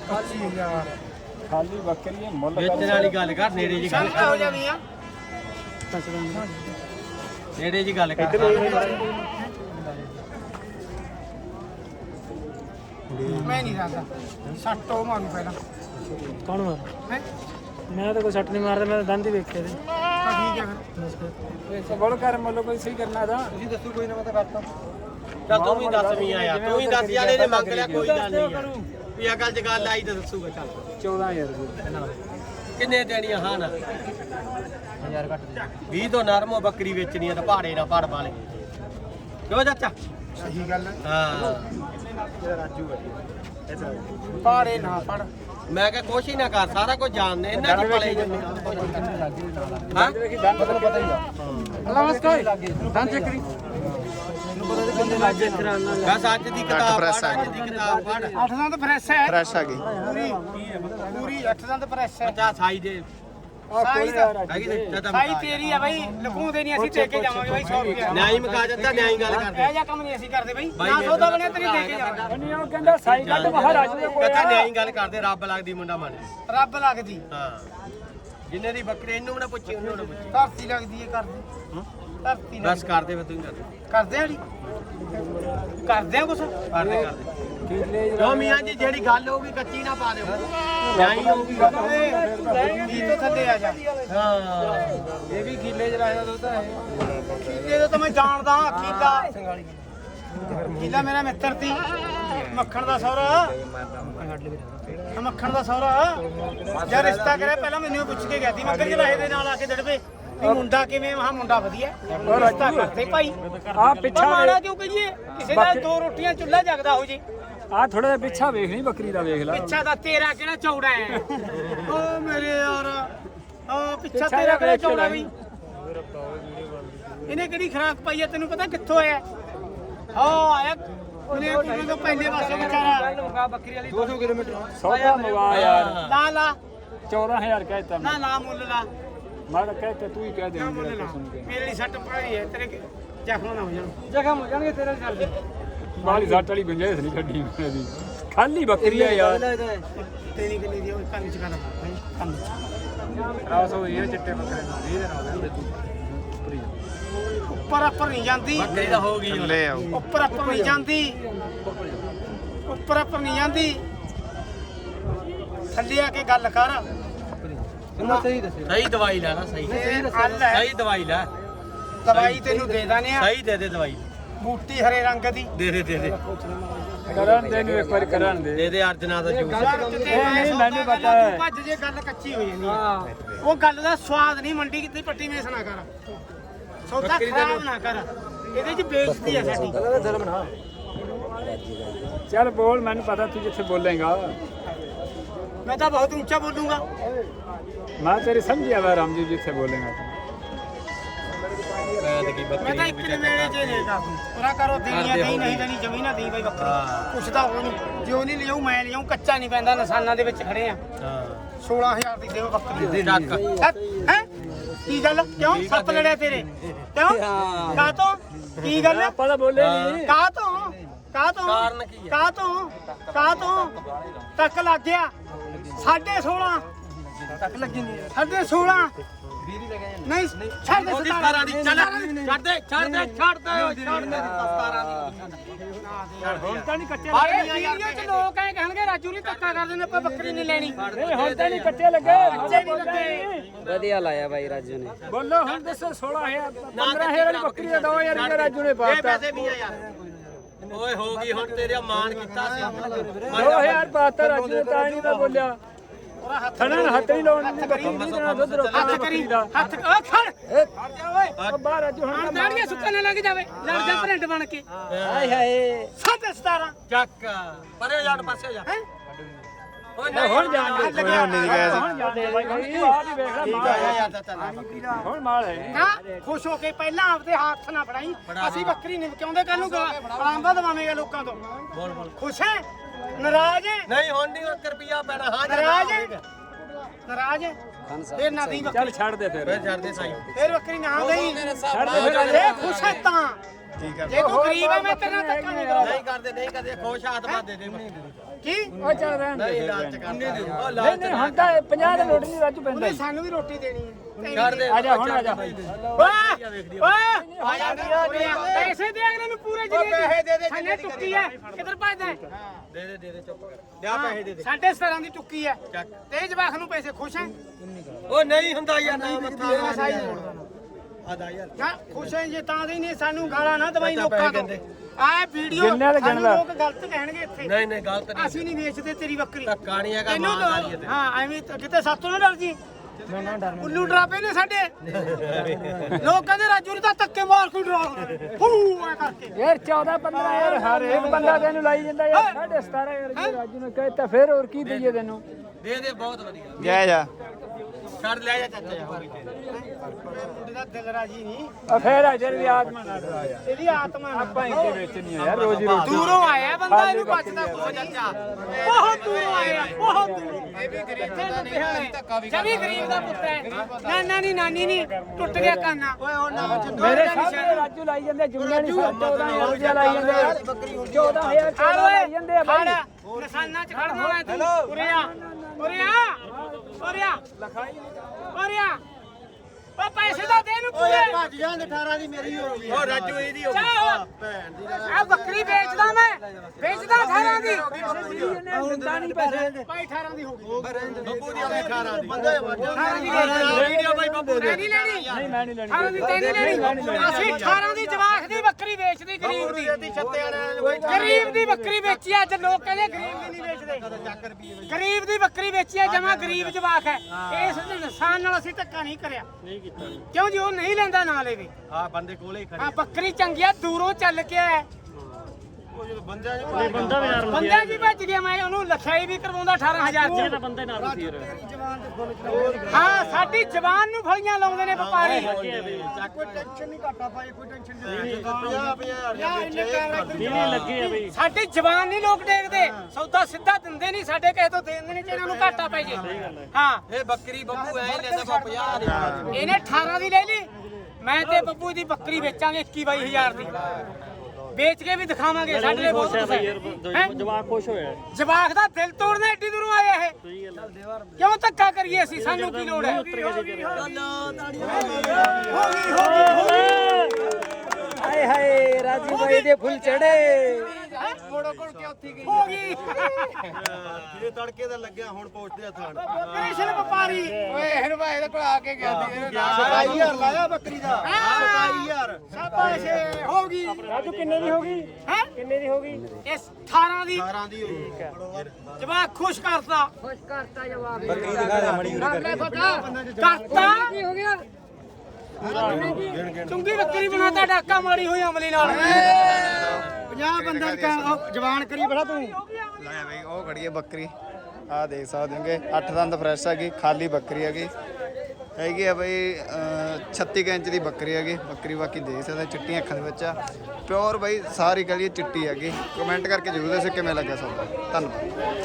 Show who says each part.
Speaker 1: 25000
Speaker 2: ਖਾਲੀ ਬੱਕਰੀ ਹੈ ਮੁੱਲ
Speaker 3: ਵੇਚਣ ਵਾਲੀ ਗੱਲ ਕਰ ਨੇੜੇ ਜੀ ਗੱਲ
Speaker 1: ਹੋ ਜਾਣੀ ਆ
Speaker 3: ਨੇੜੇ ਜੀ ਗੱਲ ਕਰ
Speaker 1: ਮੈਂ ਨਹੀਂ ਜਾਂਦਾ ਸੱਟੋ ਮਾਰੂ ਪਹਿਲਾਂ
Speaker 4: ਕੌਣ ਮਾਰ
Speaker 1: ਹੈ
Speaker 4: ਮੈਂ ਤਾਂ ਕੋਈ ਸੱਟ ਨਹੀਂ ਮਾਰਦਾ, ਮੈਂ ਤਾਂ ਦੰਦ ਹੀ ਵੇਖੇ ਤੇ
Speaker 1: ਠੀਕ ਹੈ ਫਿਰ
Speaker 2: ਬੋਲ ਕਰ ਮੁੱਲ ਕੋਈ ਸਹੀ ਕਰਨਾ ਦਾ
Speaker 3: ਤੁਸੀਂ ਦੱਸੋ ਕੋਈ ਨਾ ਮੈਂ ਤਾਂ ਕਰਤਾ ਚੱਲ ਤੂੰ ਵੀ ਦੱਸ ਵੀ ਆਇਆ ਤੂੰ ਹੀ ਦੱਸ ਯਾਰ ਇਹਨੇ ਮੰਗ ਲਿਆ ਕੋਈ ਗੱਲ ਨਹੀਂ ਯਾਰ ਵੀ ਆ ਗੱਲ ਆਈ ਤਾਂ ਦੱਸੂਗਾ ਚੱਲ
Speaker 2: 14000 ਰੁਪਏ
Speaker 3: ਕਿੰਨੇ ਦੇਣੀਆਂ ਹਾਂ ਨਾ 1000 ਘੱਟ ਦੇ 20 ਤੋਂ ਨਰਮੋ ਬੱਕਰੀ ਵੇਚਣੀ ਆ ਤਾਂ ਪਹਾੜੇ ਨਾ ਪੜ ਵਾਲੇ ਕਿਉਂ ਚਾਚਾ
Speaker 1: ਸਹੀ ਗੱਲ ਹੈ
Speaker 3: ਹਾਂ
Speaker 1: ਪਾੜੇ ਨਾ ਪੜ
Speaker 3: ਮੈਂ ਕਿਹਾ ਕੁਛ ਹੀ ਨਾ ਕਰ ਸਾਰਾ ਕੁਝ ਜਾਣਦੇ ਇਹਨਾਂ ਦੀ ਪਲੇ ਜਾਂਦੇ ਹਾਂ
Speaker 2: ਪਤਾ ਹੀ ਆ
Speaker 1: ਨਮਸਕਾਰ ਤਾਂ ਚੱਕਰੀ
Speaker 3: ਬਸ ਅੱਜ ਦੀ ਕਿਤਾਬ ਪੜ੍ਹ ਅੱਜ ਦੀ ਕਿਤਾਬ ਪੜ੍ਹ
Speaker 1: 8 ਦੰਦ ਪ੍ਰੈਸ ਹੈ
Speaker 5: ਫਰੈਸ਼ ਆ ਗਈ
Speaker 1: ਪੂਰੀ 8 ਦੰਦ ਪ੍ਰੈਸ ਹੈ
Speaker 3: 50 ਸਾਈ ਦੇ
Speaker 1: ਸਾਈ ਦਾ
Speaker 3: ਹੈਗੀ ਤੇ ਚਾਚਾ
Speaker 1: ਸਾਈ ਤੇਰੀ ਆ ਬਾਈ ਲਗੂਦੇ ਨਹੀਂ ਅਸੀਂ ਦੇ ਕੇ ਜਾਵਾਂਗੇ ਬਾਈ 100 ਰੁਪਏ
Speaker 3: ਨਿਆਈ ਮਕਾ ਦਿੱਤਾ ਨਿਆਈ ਗੱਲ ਕਰਦੇ
Speaker 1: ਇਹ ਜਾਂ ਕੰਮ ਨਹੀਂ ਅਸੀਂ ਕਰਦੇ ਬਾਈ ਨਾ ਸੌਦਾ ਬਣਿਆ ਤੇਰੀ ਦੇ ਕੇ ਜਾਵਾਂਗੇ
Speaker 2: ਨਹੀਂ ਉਹ ਕਹਿੰਦਾ ਸਾਈ ਕੱਢ ਮਹਾਰਾਜ ਦੇ ਕੋਲ
Speaker 3: ਕਹਤਾ ਨਿਆਈ ਗੱਲ ਕਰਦੇ ਰੱਬ ਲੱਗਦੀ ਮੁੰਡਾ ਮੰਨ
Speaker 1: ਰੱਬ ਲੱਗਦੀ
Speaker 3: ਹਾਂ ਜਿੰਨੇ ਦੀ ਬੱਕਰੀ ਇਹਨੂੰ ਨਾ ਪੁੱਛੀ ਉਹਨੂੰ ਨਾ ਪੁੱਛੀ
Speaker 1: ਧਰਤੀ ਲੱਗਦੀ ਹੈ ਕਰਦੇ ਧਰਤੀ ਨਾਲ
Speaker 3: ਬਸ ਕਰਦੇ ਫਿਰ ਤੂੰ ਕਰ
Speaker 1: ਕਰਦੇ ਆ ਜੀ ਕਰਦੇ ਆ ਕੁਛ
Speaker 3: ਕਰਦੇ ਕਰਦੇ ਜੋ ਮੀਆਂ ਜੀ ਜਿਹੜੀ ਗੱਲ ਹੋਊਗੀ ਕੱਚੀ ਨਾ ਪਾ ਦਿਓ ਨਿਆਈ ਹੋਊਗੀ
Speaker 1: ਕੀ ਤੋਂ ਥੱਲੇ ਆ ਜਾ
Speaker 3: ਹਾਂ
Speaker 2: ਇਹ ਵੀ ਕਿੱਲੇ ਚ ਲਾਇਆ ਦੁੱਧ ਹੈ
Speaker 1: ਕੀਲੇ ਤੋਂ ਤਾਂ ਮੈਂ ਜਾਣਦਾ ਕੀਲਾ ਕੀਲਾ ਮੇਰਾ ਮਿੱਤਰ ਸੀ ਮੱਖਣ ਦਾ ਸਹੁਰਾ ਮੱਖਣ ਦਾ ਸਹੁਰਾ ਜੇ ਰਿਸ਼ਤਾ ਕਰਿਆ ਪਹਿਲਾਂ ਮੈਨੂੰ ਪੁੱਛ ਕੇ ਗਿਆ ਸੀ ਮੱਕਰ ਜਲਾਹੇ ਦੇ ਨਾਲ ਆ ਕੇ ਡੜਵੇ ਵੀ ਮੁੰਡਾ ਕਿਵੇਂ ਮਹਾ ਮੁੰਡਾ ਵਧੀਆ ਰਿਸ਼ਤਾ ਕਰਦੇ ਭਾਈ
Speaker 2: ਆ ਪਿੱਛਾ
Speaker 1: ਮਾੜਾ ਕਿਉਂ ਕਹੀਏ ਕਿਸੇ ਦਾ ਦੋ ਰੋਟੀਆਂ ਚੁੱਲ੍ਹਾ ਜਗਦਾ ਹੋ ਜੀ
Speaker 2: ਆ ਥੋੜਾ ਜਿਹਾ ਪਿੱਛਾ ਵੇਖ ਲਈ ਬੱਕਰੀ ਦਾ ਵੇਖ ਲੈ
Speaker 1: ਪਿੱਛਾ ਦਾ ਤੇਰਾ ਕਿਹੜਾ ਚੌੜਾ ਹੈ ਓ ਮੇਰੇ ਯਾਰ ਆ ਪਿੱਛਾ ਤੇਰਾ ਕਿਹੜਾ ਚੌੜਾ ਵੀ ਇਹਨੇ ਕਿਹੜੀ ਖਰਾਕ ਪਾਈ ਹੈ ਤੈਨੂੰ ਪਤਾ ਕਿੱਥੋਂ ਆਇਆ ਆਇਆ ਉਹਨੇ ਕੁੜੀ ਤੋਂ ਪਹਿਲੇ ਪਾਸੇ ਵਿਚਾਰਾ
Speaker 3: ਬੱਕਰੀ ਵਾਲੀ
Speaker 1: 200 ਕਿਲੋਮੀਟਰ
Speaker 2: ਸੌਦਾ ਮਵਾ ਯਾਰ
Speaker 1: ਲਾ ਲਾ
Speaker 2: 14000 ਕਹਿਤਾ
Speaker 1: ਨਾ ਨਾ ਮੁੱਲ ਲਾ
Speaker 2: ਮੈਂ ਤਾਂ ਕਹਿ ਤੂੰ ਹੀ ਕਹਿ ਦੇ
Speaker 1: ਨਾ ਮੁੱਲ ਲਾ
Speaker 2: ਸੁਣ ਕੇ
Speaker 1: ਮੇਰੇ ਲਈ ਸੱਟ ਪੜਾਈ ਹੈ ਤੇਰੇ ਜ਼ਖਮ ਨਾ ਹੋ ਜਾਣ ਜ਼ਖਮ ਹੋ ਜਾਣਗੇ ਤੇਰੇ ਚੱਲ
Speaker 2: ਬਾਲੀ ਸੱਟ ਵਾਲੀ ਗੁੰਜਾਇਸ਼ ਨਹੀਂ ਛੱਡੀ ਮੇਰੀ ਖਾਲੀ ਬੱਕਰੀ ਆ ਯਾਰ
Speaker 1: ਤੇਰੀ ਕਿੰਨੀ ਦੀ ਉਹ ਕੰਨ ਚ ਕਰ ਕੰਨ
Speaker 2: ਰਾਸੋ ਇਹ ਚਿੱਟੇ ਬੱਕਰੇ 20 ਦਿਨ ਹੋ ਗਏ
Speaker 1: ਉੱਪਰ ਨਹੀਂ ਜਾਂਦੀ
Speaker 3: ਬੱਕਰੀ ਤਾਂ ਹੋ ਗਈ ਹੁਣ।
Speaker 5: ਲੈ ਆਓ
Speaker 1: ਉੱਪਰ ਨਹੀਂ ਜਾਂਦੀ ਉੱਪਰ ਨਹੀਂ ਜਾਂਦੀ ਥੱਲੇ ਆ ਕੇ ਗੱਲ ਕਰ
Speaker 3: ਸਹੀ ਦਵਾਈ ਲੈ ਨਾ ਸਹੀ
Speaker 1: ਹੱਲ ਹੈ
Speaker 3: ਸਹੀ ਦਵਾਈ ਲੈ
Speaker 1: ਦਵਾਈ ਤੈਨੂੰ ਦੇ ਦਾਨੇ ਆ
Speaker 3: ਸਹੀ ਦੇ ਦੇ ਦਵਾਈ
Speaker 1: ਬੂਟੀ ਹਰੇ ਰੰਗ ਦੀ
Speaker 3: ਦੇ ਦੇ ਦੇ ਦੇ
Speaker 2: ਕਰਨ ਦੇ ਨੂੰ ਇੱਕ ਵਾਰੀ ਕਰਨ ਦੇ
Speaker 3: ਦੇ ਦੇ ਅਰਜਨਾ ਦਾ ਜੂਸ
Speaker 2: ਨਹੀਂ, ਮੈਨੂੰ ਪਤਾ ਹੈ।
Speaker 1: ਤੂੰ ਭੱਜ ਜੇ ਗੱਲ ਕੱਚੀ ਹੋ ਜਾਂਦੀ ਹੈ ਉਹ ਗੱਲ ਦਾ ਸਵਾਦ ਨਹੀਂ ਮੰਡੀ ਕਿਤੇ ਪੱਟੀ ਮੇਸ ਨਾ ਕਰ ਸੌਦਾ ਖਰਾਬ ਨਾ ਕਰ ਇਹਦੇ ਚ ਬੇਇੱਜ਼ਤੀ ਹੈ ਸਾਡੀ
Speaker 2: ਚੱਲ ਬੋਲ ਮੈਨੂੰ ਪਤਾ ਤੂੰ ਜਿੱਥੇ ਬੋਲੇਗਾ
Speaker 1: ਮੈਂ ਤਾਂ ਬਹੁਤ ਉੱਚਾ ਬੋਲੂੰਗਾ
Speaker 2: ਮੈਂ ਤੇਰੀ ਸਮਝਿਆ ਵਾ ਰਾਮ ਜੀ ਜਿੱਥੇ ਬੋਲੇਗਾ
Speaker 1: ਮੈਂ ਤਾਂ ਇੱਕ ਨਵੇੜੇ ਚ ਲੈਗਾ ਪੂਰਾ ਕਰੋ ਦੇਣੀਆਂ ਨਹੀਂ ਨਹੀਂ ਦੇਣੀ ਜ਼ਮੀਨਾਂ ਦੀ ਬਈ ਬੱਕਰੀ ਪੁੱਛਦਾ ਹੋ ਨਹੀਂ ਜਿਉ ਨਹੀਂ ਲਿਆਉ ਮੈਂ ਲਿਆਉ ਕੱਚਾ ਨਹੀਂ ਪੈਂਦਾ ਨਿਸ਼ਾਨਾਂ ਦੇ ਵਿੱਚ ਖੜੇ ਆ
Speaker 3: ਹਾਂ
Speaker 1: 16000 ਦੀ ਦਿਓ ਬੱਕਰੀ
Speaker 3: ਚੱਕ
Speaker 1: ਹੈ ਕੀ ਗੱਲ ਕਿਉਂ ਸੱਪ ਲੜਿਆ ਤੇਰੇ ਕਿਉਂ ਕਾ ਤੋਂ ਕੀ ਗੱਲ
Speaker 2: ਆਪਾਂ ਤਾਂ ਬੋਲੇ ਨਹੀਂ
Speaker 1: ਕਾ ਤੋਂ ਕਾ ਤੋਂ
Speaker 3: ਕਾਰਨ ਕੀ ਹੈ?
Speaker 1: ਕਾ ਤੋਂ ਤੱਕ ਲੱਗ ਗਿਆ 16.5 ਤੱਕ ਲੱਗੀ ਨਹੀਂ 16.5 ਨਹੀਂ ਛੱਡ ਦੇ
Speaker 3: ਉਹਦੀ 17 ਦੀ ਚੱਲ ਛੱਡ ਦੇ ਛੱਡ ਦੇ ਛੱਡ ਦੇ ਓਏ, ਛੱਡ ਦੇ 17 ਦੀ
Speaker 2: ਹੁਣ ਤਾਂ ਨਹੀਂ ਕੱਚੇ
Speaker 1: ਅਰੇ ਵੀਡੀਓ ਚ ਲੋਕ ਐ ਕਹਿਣਗੇ ਰਾਜੂ ਨਹੀਂ ਧੱਕਾ ਕਰਦੇ ਨੇ ਆਪਾਂ ਬੱਕਰੀ ਨਹੀਂ ਲੈਣੀ
Speaker 2: ਨਹੀਂ ਹੁਣ ਤਾਂ ਨਹੀਂ ਕੱਚੇ ਲੱਗੇ
Speaker 1: ਬੱਚੇ ਨਹੀਂ ਲੱਗੇ
Speaker 4: ਵਧੀਆ ਲਾਇਆ ਬਾਈ ਰਾਜੂ ਨੇ
Speaker 2: ਬੋਲੋ ਹੁਣ ਦੱਸੋ 16000 15000 ਵਾਲੀ ਬੱਕਰੀ ਦਾ 2000 ਰੁਪਏ ਰਾਜੂ ਨੇ
Speaker 3: ਇਹ
Speaker 2: ਪਾਤਾ
Speaker 3: ਪੈਸੇ ਵੀ ਆ ਯਾਰ ਓਏ ਹੋ ਗਈ ਹੁਣ ਤੇਰਾ ਮਾਨ ਕੀਤਾ ਸੀ
Speaker 2: 2000 ਪਾਤਾ ਰਾਜੂ ਨੇ ਤਾਂ ਨਹੀਂ ਤਾਂ ਬੋਲਿਆ ਥਣਾ ਹੱਥ ਨਹੀਂ ਲਾਉਣ ਦੀ ਬੱਕਰੀ ਨਹੀਂ ਦੇਣਾ ਦੁੱਧ ਰੋਕਣਾ
Speaker 1: ਹੱਥ ਕਰੀ
Speaker 2: ਬੱਕਰੀ ਦਾ
Speaker 1: ਹੱਥ ਖੜ ਖੜ ਜਾ ਓਏ
Speaker 2: ਉਹ ਬਾਹਰ ਰਾਜੂ ਹੁਣ
Speaker 1: ਹੁਣ ਦਾੜੀਆਂ ਸੁੱਕਣ ਨਾ ਲੱਗ ਜਾਵੇ ਲੜ ਜਾ ਪ੍ਰਿੰਟ ਬਣ ਕੇ
Speaker 4: ਹਾਏ ਹਾਏ
Speaker 1: 17.5
Speaker 3: ਚੱਕ ਪਰੇ ਜਾਣ ਪਾਸੇ ਜਾ
Speaker 1: ਹੈ
Speaker 3: ਓਏ
Speaker 2: ਹੁਣ ਜਾਣ ਦੇ
Speaker 1: ਲੱਗਿਆ
Speaker 2: ਹੁਣ ਜਾਣ ਦੇ ਬਾਈ ਬਾਹਰ ਹੀ ਵੇਖ ਲੈ ਮਾਲ
Speaker 3: ਯਾਰ ਤਾਂ ਚੱਲ
Speaker 2: ਹੁਣ ਮਾਲ ਹੈ
Speaker 1: ਨਾ ਖੁਸ਼ ਹੋ ਕੇ ਪਹਿਲਾਂ ਆਪਦੇ ਹੱਥ ਨਾ ਫੜਾਈ ਅਸੀਂ ਬੱਕਰੀ ਨਹੀਂ ਵਿਕਾਉਂਦੇ ਕੱਲ ਨੂੰ ਆਰਾਮਦਾ ਦਵਾਵੇਂਗਾ ਲੋਕਾਂ ਤੋਂ
Speaker 3: ਬੋਲ ਬੋਲ
Speaker 1: ਖੁਸ਼ ਹੈ ਨਾਰਾਜ਼ ਹੈ
Speaker 3: ਨਹੀਂ ਹੁਣ ਨਹੀਂ 1 ਰੁਪਿਆ ਪੈਣਾ ਹਾਂ
Speaker 1: ਨਾਰਾਜ਼ ਹੈ ਨਾਰਾਜ਼ ਹੈ ਫਿਰ ਨਾ ਦੀ
Speaker 2: ਚੱਲ
Speaker 1: ਬੱਕਰੀ
Speaker 2: ਛੱਡ ਦੇ ਫਿਰ
Speaker 3: ਫੇਰ ਛੱਡ ਦੇ ਸਾਈ
Speaker 1: ਫਿਰ ਬੱਕਰੀ ਨਾ ਗਈ
Speaker 2: ਛੱਡ ਦੇ ਫਿਰ
Speaker 1: ਜੇ ਖੁਸ਼ ਹੈ ਤਾਂ ਜੇ ਤੂੰ ਗਰੀਬ ਹੈ ਮੈਂ ਤੇਰੇ ਨਾਲ ਧੱਕਾ ਨਹੀਂ ਕਰਾਂਗਾ
Speaker 3: ਨਹੀਂ ਕਰਦੇ ਨਹੀਂ ਕਰਦੇ ਖੁਸ਼ ਹੱਥ ਬਾਦ ਦੇ ਦੇ
Speaker 1: ਕੀ
Speaker 2: ਉਹ ਚੱਲ ਰਹਿਣ ਦੇ
Speaker 3: ਨਹੀਂ ਲਾਲਚ ਕਰਨੇ ਦੇ ਉਹ
Speaker 2: ਨਹੀਂ
Speaker 3: ਲਾਲਚ
Speaker 2: ਨਹੀਂ ਹੁਣ ਤਾਂ 50 ਦੇ ਨੋਟ ਨਹੀਂ ਰਾਜੂ ਪੈਂਦਾ
Speaker 1: ਉਹਨੇ ਸਾਨੂੰ ਵੀ ਰੋਟੀ ਦੇਣੀ ਹੈ
Speaker 3: ਛੱਡ ਦੇ
Speaker 2: ਆ ਜਾ ਹੁਣ ਆ ਜਾ
Speaker 1: ਓਏ ਆ ਜਾ ਪੈਸੇ ਦੇ ਅਗਲੇ ਨੂੰ ਪੂਰੇ ਜਿਹੜੇ ਸਾਨੇ ਟੁੱਕੀ ਹੈ ਕਿੱਧਰ ਭੱਜਦਾ ਹੈ?
Speaker 3: ਦੇ ਦੇ ਚੁੱਪ ਕਰ ਲਿਆ ਪੈਸੇ ਦੇ ਦੇ
Speaker 1: ਸਾਡੇ 17 ਦੀ ਟੁੱਕੀ ਹੈ
Speaker 3: ਚੱਕ
Speaker 1: ਤੇ ਜਵਾਖ ਨੂੰ ਪੈਸੇ ਖੁਸ਼ ਹੈ
Speaker 3: ਉਹ ਨਹੀਂ ਹੁੰਦਾ ਯਾਰ ਨਾ ਮੱਥਾ ਆਦਾ ਯਾਰ
Speaker 1: ਜਾਂ ਖੁਸ਼ ਹੈ ਜੇ ਤਾਂ ਦੇ ਨਹੀਂ ਸਾਨੂੰ ਗਾਲਾਂ ਨਾ ਦਵਾਈ
Speaker 3: ਬੱਚਾ
Speaker 1: ਲੋਕਾਂ
Speaker 3: ਪੈਸੇ
Speaker 1: ਤੋਂ
Speaker 3: ਕਹਿੰਦੇ।
Speaker 1: ਆਹ ਵੀਡੀਓ
Speaker 2: ਗਿਣਨੇ ਵਾਲੇ
Speaker 1: ਸਾਨੂੰ
Speaker 2: ਗਿਣ ਲੈ।
Speaker 1: ਲੋਕ ਗਲਤ ਕਹਿਣਗੇ ਇੱਥੇ
Speaker 3: ਨਹੀਂ ਨਹੀਂ ਗਲਤ ਨਹੀਂ
Speaker 1: ਅਸੀਂ ਨਹੀਂ ਵੇਚਦੇ ਤੇਰੀ ਬੱਕਰੀ
Speaker 3: ਧੱਕਾ ਨਹੀਂ ਹੈਗਾ
Speaker 1: ਤੈਨੂੰ
Speaker 3: ਇਮਾਨਦਾਰੀ ਹੈ
Speaker 1: ਤਾਂ ਹਾਂ ਐਵੇਂ ਤਾਂ ਕਿਤੇ ਸਾਤੋਂ ਨਾ ਡਰ ਜੀ ਉੱਲੂ ਡਰਾ ਪਏ ਨੇ ਸਾਡੇ ਲੋਕ ਕਹਿੰਦੇ ਰਾਜੂ ਨੂੰ ਤਾਂ ਧੱਕੇ ਮਾਰ ਕੇ ਡਰਾ ਫੂ ਐ ਕਰਕੇ
Speaker 2: ਯਾਰ 14 15 ਯਾਰ ਹਰ ਇੱਕ ਬੰਦਾ ਤੈਨੂੰ ਲਾਈ ਜਾਂਦਾ ਯਾਰ 17.5 ਯਾਰ ਜੇ ਰਾਜੂ ਨੇ ਕਹਿਤਾ ਫਿਰ ਹੋਰ ਕੀ ਦਈਏ ਤੈਨੂੰ
Speaker 3: ਦੇ ਦੇ ਬਹੁਤ ਵਧੀਆ
Speaker 4: ਜੈ ਜਾ
Speaker 3: ਛੱਡ ਲੈ ਜਾ ਚਾਚਾ ਜਾ ਹੋ ਗਈ ਤੇਰੀ
Speaker 1: ਮੁੰਡੇ ਦਾ ਦਿਲ ਰਾਜੀ ਨਹੀਂ
Speaker 2: ਆ ਫੇਰ ਆ ਜਿਹੜੀ ਆਤਮਾ ਨਾਲ ਡਰਾ ਯਾਰ
Speaker 1: ਇਹਦੀ ਆਤਮਾ
Speaker 2: ਆਪਾਂ ਇੰਨੇ ਵੇਚਣੀ ਆ ਯਾਰ ਰੋਜੀ ਰੋਟੀ
Speaker 1: ਦੂਰੋਂ ਆਇਆ ਬੰਦਾ ਇਹਨੂੰ ਬਚਦਾ ਕੋ ਚਾਚਾ ਬਹੁਤ ਦੂਰੋਂ ਆਇਆ ਬਹੁਤ ਦੂਰੋਂ ਇਹ ਵੀ ਗਰੀਬ ਦਾ ਨਹੀਂ ਜਮੀ ਗਰੀਬ ਦਾ ਪੁੱਤ ਹੈ ਨਾਨਾ ਨਹੀਂ ਨਾਨੀ ਨਹੀਂ ਟੁੱਟ ਗਿਆ ਕਾਨਾ ਓਏ ਉਹ ਨਾ
Speaker 2: ਮੇਰੇ ਸਾਹਮਣੇ ਰਾਜੂ ਲਾਈ ਜਾਂਦੇ ਜੁਮਲੇ ਨਹੀਂ 14000 ਰੁਪਇਆ ਲਾਈ ਜਾਂਦੇ ਯਾਰ 14000 ਲਾਈ ਜਾਂਦੇ ਆ ਬਾਈ
Speaker 1: ਨਿਸ਼ਾਨਾ ਚ ਖੜਨਾ ਹੈ ਤੂੰ ਉਰੇ ਆ ਉਰੇ ਆ ਉਰੇ ਆ ਉਰੇ ਆ ਉਹ ਪੈਸੇ ਦਾ ਦੇ ਨੂੰ ਪੂਰੇ
Speaker 3: ਭੱਜ ਜਾਂਦੇ 18 ਦੀ ਮੇਰੀ ਹੋ ਗਈ ਉਹ ਰਾਜੂ ਇਹਦੀ ਹੋ
Speaker 1: ਚਾਹ
Speaker 3: ਭੈਣ ਦੀ
Speaker 1: ਆ ਬੱਕਰੀ ਵੇਚਦਾ ਮੈਂ ਵੇਚਦਾ 18 ਦੀ
Speaker 2: ਦਿੰਦਾ ਨਹੀਂ ਪੈਸੇ
Speaker 1: ਭਾਈ 18 ਦੀ ਹੋ ਗਈ
Speaker 3: ਬੱਬੂ ਦੀ ਆਪਣੀ 18 ਦੀ ਬੰਦੇ
Speaker 1: 18 ਦੀ
Speaker 3: ਵੀਡੀਓ ਬਾਈ ਬੱਬੂ
Speaker 1: ਮੈਂ ਨਹੀਂ ਲੈਣੀ
Speaker 2: ਨਹੀਂ ਮੈਂ ਨਹੀਂ ਲੈਣੀ
Speaker 1: 18 ਦੀ ਤੈਨੂੰ ਲੈਣੀ ਅਸੀਂ 18 ਦੀ ਜਵਾਖ ਦੀ ਬੱਕਰੀ ਵੇਚਦੀ ਗਰੀਬ ਦੀ
Speaker 3: ਛੱਤੇ ਵਾਲਿਆਂ
Speaker 1: ਗਰੀਬ ਦੀ ਬੱਕਰੀ ਵੇਚੀ ਅੱਜ ਲੋਕ ਕਹਿੰਦੇ ਗਰੀਬ ਦੀ ਨਹੀਂ ਵੇਚਦੇ ਗਰੀਬ ਦੀ ਬੱਕਰੀ ਵੇਚੀ ਹੈ ਜਮਾ ਗਰੀਬ ਜਵਾਕ ਹੈ ਇਸ ਇਨਸਾਨ ਨਾਲ ਅਸੀਂ ਧੱਕਾ ਨਹੀਂ ਕਰਿਆ ਕਿਉਂ ਜੀ ਉਹ ਨਹੀਂ ਲੈਂਦਾ ਨਾ ਲੈਵੇ
Speaker 3: ਆ ਬੰਦੇ ਕੋਲੇ ਹੀ
Speaker 1: ਆ ਬੱਕਰੀ ਚੰਗੀ ਆ ਦੂਰੋਂ ਚੱਲ ਕੇ ਆਇਆ
Speaker 3: ਉਹ ਜਦੋਂ ਬੰਦਿਆਂ ਨੇ ਬੰਦਾ ਵੀ ਨਾਲ
Speaker 1: ਬੰਦਿਆਂ ਕੀ ਭੱਜ ਗਿਆ ਮੈਂ ਉਹਨੂੰ ਲਖਾਈ ਵੀ ਕਰਵਾਉਂਦਾ 18000 ਚ
Speaker 4: ਬੰਦੇ ਨਾਲ ਸੀ
Speaker 1: ਹਾਂ ਸਾਡੀ ਜ਼ਬਾਨ ਨੂੰ ਫਲੀਆਂ ਲਾਉਂਦੇ ਨੇ ਵਪਾਰੀ
Speaker 3: ਕੋਈ ਟੈਨਸ਼ਨ ਨਹੀਂ ਘਾਟਾ ਪਾਈ ਕੋਈ ਟੈਨਸ਼ਨ ਨਹੀਂ 50,000
Speaker 4: ਦੀਨੇ ਲੱਗੇ ਆ ਬਈ
Speaker 1: ਸਾਡੀ ਜ਼ਬਾਨ ਨਹੀਂ ਲੋਕ ਦੇਖਦੇ ਸੌਦਾ ਸਿੱਧਾ ਦਿੰਦੇ ਨਹੀਂ ਸਾਡੇ ਕਿਸੇ ਤੋਂ ਦੇਣ ਨਹੀਂ ਇਹਨਾਂ ਨੂੰ ਘਾਟਾ ਪੈ ਜੇ ਹਾਂ
Speaker 3: ਇਹ ਬੱਕਰੀ ਬੱਬੂ ਐ ਲੈਂਦਾ 50 ਦੀ
Speaker 1: ਇਹਨੇ 18 ਦੀ ਲੈ ਲਈ ਮੈਂ ਤੇ ਬੱਬੂ ਦੀ ਬੱਕਰੀ ਵੇਚਾਂਗੇ 21-22,000 ਦੀ ਵੇਚ ਕੇ ਵੀ ਦਿਖਾਵਾਂਗੇ ਸਾਡੇ ਲਈ ਬਹੁਤ ਕੁਛ ਹੈ
Speaker 4: ਜਵਾਬ ਖੁਸ਼ ਹੋਇਆ
Speaker 1: ਜਵਾਕ ਦਾ ਦਿਲ ਤੋੜਨਾ ਏਡੀ ਦੂਰੋਂ ਆਇਆ ਇਹ ਕਿਉਂ ਧੱਕਾ ਕਰੀਏ ਅਸੀਂ ਸਾਨੂੰ ਕੀ ਲੋੜ ਹੈ
Speaker 2: ਹਾਏ ਹਾਏ ਰਾਜੂ ਬਾਈ ਦੇ ਫੁੱਲ ਚੜੇ
Speaker 1: ਹੋ ਗਈ
Speaker 3: ਇਹ ਤੜਕੇ ਦਾ ਲੱਗਿਆ ਹੁਣ ਪਹੁੰਚਦੇ ਆ ਥਾਣ
Speaker 1: ਕ੍ਰਿਸ਼ਨ ਵਪਾਰੀ
Speaker 3: ਓਏ ਇਹਨੂੰ ਭਾਈ ਇਹਦੇ ਕੋਲ ਆ ਕੇ ਗਿਆ ਸੀ 27000 ਲਾਇਆ ਬੱਕਰੀ ਦਾ 27000
Speaker 1: ਸ਼ਾਬਾਸ਼ ਹੋ ਗਈ
Speaker 2: ਰਾਜੂ ਕਿੰਨੇ ਦੀ ਹੋ ਗਈ
Speaker 1: ਹੈ
Speaker 2: ਕਿੰਨੇ ਦੀ ਹੋ ਗਈ
Speaker 1: ਇਸ 18 ਦੀ
Speaker 3: 18 ਦੀ ਹੋਈ
Speaker 1: ਜਵਾਕ ਖੁਸ਼ ਕਰਤਾ
Speaker 3: ਬੱਕਰੀ ਦਿਖਾ ਦੇ ਮੜੀ
Speaker 1: ਕਰਤਾ ਕੀ ਹੋ ਗਿਆ ਚੁੰਗੀ ਬੱਕਰੀ ਬਣਾਤਾ ਡਾਕਾ ਮਾਰੀ ਹੋਈ ਅਮਲੀ ਨਾਲ 50 ਬੰਦਾ ਜਵਾਨ ਕਰੀ ਬੜਾ ਤੂੰ
Speaker 5: ਲੈ ਬਈ ਉਹ ਖੜੀ ਹੈ ਬੱਕਰੀ ਆ ਦੇਖ ਸਕਦੇ ਹੋਗੇ 8 ਦੰਦ ਫਰੈਸ਼ ਹੈਗੀ ਖਾਲੀ ਬੱਕਰੀ ਹੈਗੀ ਹੈਗੀ ਆ ਬਈ 36 ਇੰਚ ਦੀ ਬੱਕਰੀ ਹੈਗੀ ਬੱਕਰੀ ਬਾਕੀ ਦੇਖ ਸਕਦੇ ਚਿੱਟੀਆਂ ਅੱਖਾਂ ਦੇ ਵਿੱਚ ਆ ਪਿਓਰ ਬਈ ਸਾਰੀ ਗਲੀ ਚਿੱਟੀ ਹੈਗੀ ਕਮੈਂਟ ਕਰਕੇ ਜ਼ਰੂਰ ਦੱਸੋ ਕਿਵੇਂ ਲੱਗਾ ਸਭ ਧੰਨਵਾਦ